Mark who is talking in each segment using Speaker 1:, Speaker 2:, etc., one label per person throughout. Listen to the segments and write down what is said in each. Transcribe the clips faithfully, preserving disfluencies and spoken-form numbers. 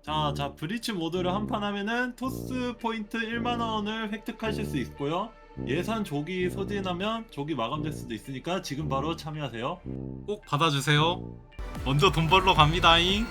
Speaker 1: 자, 자 브리치 모드를 한 판 하면은 토스 포인트 일만 원을 획득하실 수 있고요. 예산 조기 소진하면 조기 마감될 수도 있으니까 지금 바로 참여하세요.
Speaker 2: 꼭 받아주세요. 먼저 돈 벌러 갑니다잉.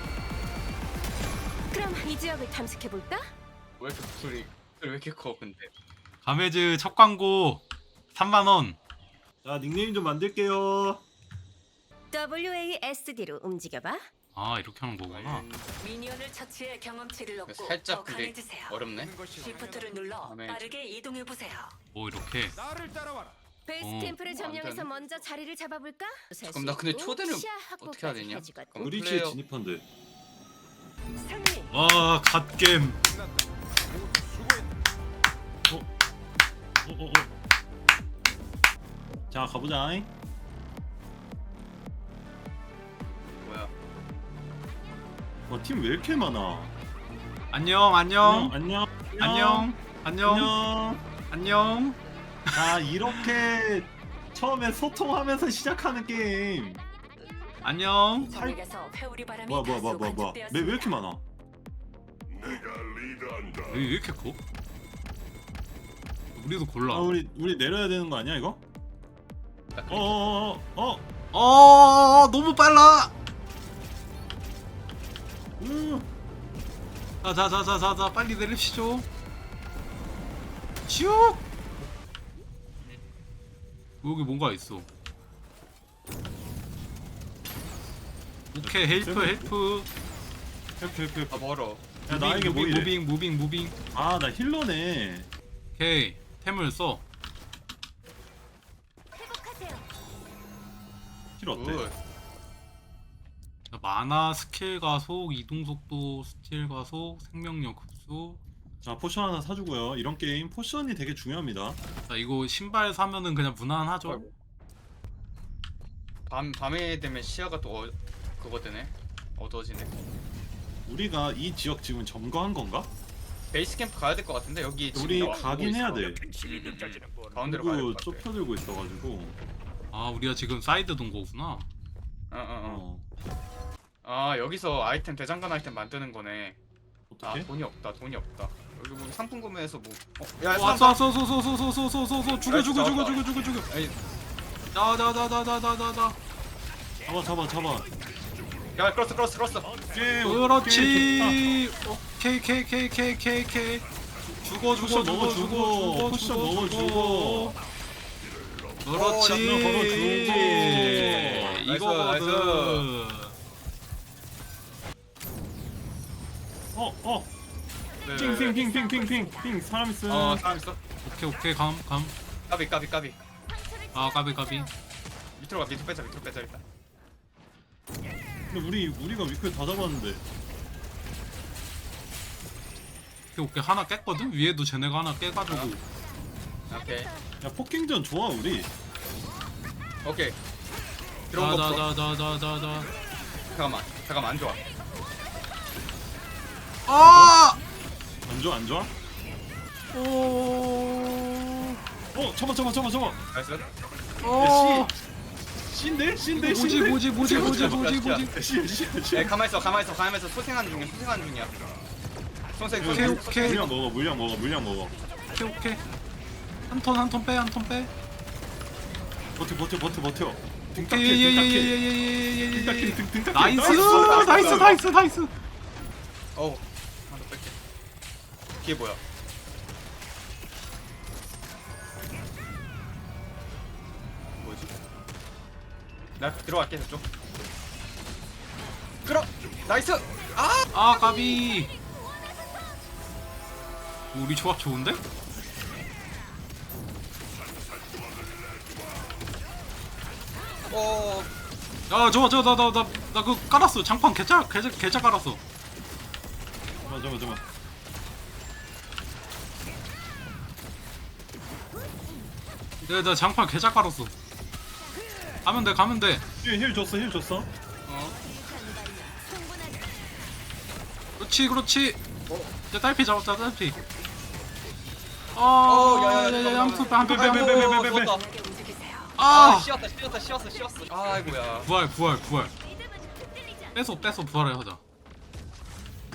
Speaker 3: 그럼 이 지역을 탐색해 볼까?
Speaker 4: 왜 이렇게 목소리 왜 이렇게 커 근데?
Speaker 2: 가메즈 첫 광고 삼만 원.
Speaker 1: 자, 닉네임 좀 만들게요.
Speaker 3: 더블유 에이 에스 디로 움직여봐.
Speaker 2: 아 이렇게 하는 거구나.
Speaker 5: 미니언을 처치해 경험치를 얻고 더
Speaker 4: 살짝 근데
Speaker 5: 강해지세요.
Speaker 4: 어렵네.
Speaker 5: 시프트를 눌러
Speaker 4: 다음에
Speaker 5: 빠르게 이동해 보세요.
Speaker 2: 뭐 이렇게.
Speaker 3: 베이스
Speaker 2: 어.
Speaker 3: 캠프를
Speaker 4: 안
Speaker 3: 점령해서
Speaker 4: 되네.
Speaker 3: 먼저 자리를 잡아볼까?
Speaker 4: 잠깐만, 나 근데 초대를 어떻게 해야 되냐?
Speaker 1: 브리치에
Speaker 4: 플레이어-
Speaker 1: 진입한대.
Speaker 5: 승리.
Speaker 2: 와 갓겜.
Speaker 1: 어, 어, 어. 자, 가보자잉.
Speaker 4: 뭐야?
Speaker 1: 어, 팀 왜 이렇게 많아?
Speaker 2: 안녕 안녕
Speaker 1: 안녕.
Speaker 2: 안녕 안녕
Speaker 1: 안녕.
Speaker 2: 안녕.
Speaker 1: 자, 이렇게 처음에 소통하면서 시작하는 게임.
Speaker 2: 안녕.
Speaker 5: 전역에서 회오리 바람이
Speaker 1: 뭐야, 뭐야, 뭐야,
Speaker 5: 다수
Speaker 1: 뭐야, 뭐야. 왜, 왜
Speaker 5: 관측되었습니다.
Speaker 1: 이렇게 많아?
Speaker 2: 왜, 왜 이렇게 커? 우리도 골라.
Speaker 1: 아, 우리 우리 내려야 되는 거 아니야 이거? 어, 어, 어, 어.
Speaker 2: 어 너무 빨라.
Speaker 1: 음.
Speaker 2: 자자자자자자 빨리 내립시죠. 슉. 여기 뭔가 있어. 오케이 헬프 헬프.
Speaker 1: 헬프, 헬프, 헬프.
Speaker 4: 아 멀어.
Speaker 1: 야, 나에게 뭐
Speaker 2: 무빙
Speaker 1: 이래?
Speaker 2: 무빙 무빙 무빙.
Speaker 1: 아, 나 힐러네.
Speaker 2: 오케이 템을 써.
Speaker 3: 회복하세요.
Speaker 1: 힐 어때?
Speaker 4: 굿.
Speaker 2: 자, 만화 스킬 가속 이동 속도 스틸 가속 생명력 흡수.
Speaker 1: 자, 포션 하나 사주고요. 이런 게임 포션이 되게 중요합니다.
Speaker 2: 자 이거 신발 사면은 그냥 무난하죠.
Speaker 4: 아이고. 밤 밤에 되면 시야가 또 어, 그거 되네. 어두워지네.
Speaker 1: 우리가 이 지역 지금 점거한 건가?
Speaker 4: 베이스 캠프 가야 될 것 같은데 여기 지금
Speaker 1: 우리
Speaker 4: 나 오고
Speaker 1: 가긴
Speaker 4: 있어.
Speaker 1: 해야 돼.
Speaker 4: 가운데로 가야
Speaker 1: 그리고
Speaker 4: 될 것 같아.
Speaker 1: 좁혀들고 있어가지고.
Speaker 2: 아 우리가 지금 사이드 돈 거구나.
Speaker 4: 어어 어.
Speaker 1: 어.
Speaker 4: 아 여기서 아이템 대장간 아이템 만드는 거네. 아
Speaker 1: 어떻게?
Speaker 4: 돈이 없다 돈이 없다. 여기 뭐 상품 구매해서 뭐. 어, 야
Speaker 2: 왔어 왔어 왔어 왔어 왔어 왔어 왔어 왔어 죽어 죽어 죽어 죽어 죽어 죽어.
Speaker 4: 아니,
Speaker 2: 나나나나나나나.
Speaker 1: 잡아, 잡아, 잡아.
Speaker 4: 야 끌었어 끌었어 끌었어.
Speaker 1: 오케이, 오케이,
Speaker 2: 그렇지. 오케이 케이 케이 케이 케이 케이. 죽어 죽어
Speaker 1: 포션
Speaker 2: 죽어
Speaker 1: 먹어,
Speaker 2: 죽어
Speaker 1: 죽어.
Speaker 2: 죽어
Speaker 1: 포션
Speaker 2: 죽어
Speaker 1: 먹어,
Speaker 2: 죽어. 그렇지.
Speaker 1: 어, 양면 걸어 주고.
Speaker 2: 이거거든.
Speaker 1: 어, 어.
Speaker 4: 네,
Speaker 1: 핑, 핑, 핑, 핑, 핑, 핑, 핑. 사람 있음.
Speaker 4: 어 사람 있어.
Speaker 2: 오케이 오케이 감 감.
Speaker 4: 까비 까비 까비.
Speaker 2: 아 까비 까비.
Speaker 4: 밑으로 가 밑으로 빼자 밑으로 빼자 일단.
Speaker 1: 근데 우리 우리가 위클 다 잡았는데.
Speaker 2: 오케이 오케이 하나 깼거든. 위에도 쟤네가 하나 깨가지고.
Speaker 4: 오케이
Speaker 1: 야, 포킹전 좋아 우리.
Speaker 4: 오케이. 들어온 거 없어.
Speaker 2: 자자자자자자자.
Speaker 4: 잠깐만 잠깐만 안 좋아.
Speaker 2: 아!
Speaker 1: 안 좋아, 안 좋아?
Speaker 2: 오.
Speaker 1: 어, 잡아, 잡아, 잡아, 잡아.
Speaker 4: 나이스.
Speaker 2: 어.
Speaker 1: 신데, 신데,
Speaker 2: 뭐지
Speaker 1: 신데.
Speaker 2: 뭐지 뭐지 뭐지 뭐지 뭐지.
Speaker 1: 신, 신, 신.
Speaker 4: 야 가만 있어 가만 있어 가만 있어 소생하는 중이야 소생하는 중이야. 소생
Speaker 2: 오케이,
Speaker 4: 소생.
Speaker 2: 오케이.
Speaker 1: 물량 먹어, 물량 먹어, 물량 먹어.
Speaker 2: 오케이 오케이. 한 톤 한 톤 빼 한 톤 빼.
Speaker 1: 버텨, 버텨, 버텨, 버텨. 등
Speaker 2: 오케이
Speaker 1: 닦게, 등 닦게. 등
Speaker 2: 예예예예예예예예.
Speaker 1: 닦게, 등, 등 닦게.
Speaker 2: 나이스 나이스 나이스 나이스.
Speaker 4: 어우 하나 더 뺄게. 뒤에 뭐야? 뭐지? 나 들어갈게 저쪽. 끌어 나이스. 아
Speaker 2: 아 까비. 우리 조합 좋은데?
Speaker 4: 어.
Speaker 2: 야 저거 저거 나나나 나 그거 깔았어. 장판 개짜 개짜 개짜 깔았어.
Speaker 1: 잠깐만, 잠깐만, 잠깐만.
Speaker 2: 내가 나 장판 개짜 깔았어. 가면 돼 가면 돼.
Speaker 1: 힐, 힐 줬어, 힐 줬어.
Speaker 2: 어. 그렇지 그렇지. 이제 딸피 잡았다 딸피.
Speaker 4: 어,
Speaker 2: 아,
Speaker 4: 야, 야, 야,
Speaker 2: 야야야 한푼 빼, 한푼 빼,
Speaker 1: 빼,
Speaker 2: 한푼
Speaker 1: 빼,
Speaker 2: 빼.
Speaker 1: 빼, 빼, 빼, 빼.
Speaker 4: 좋았다.
Speaker 5: 빠르게 움직이세요.
Speaker 4: 아
Speaker 2: 아,
Speaker 4: 씌웠다 씌웠다 씌웠어 씌웠어. 아이고야.
Speaker 2: 부활, 부활, 부활. 뺏어, 뺏어 부활을 하자.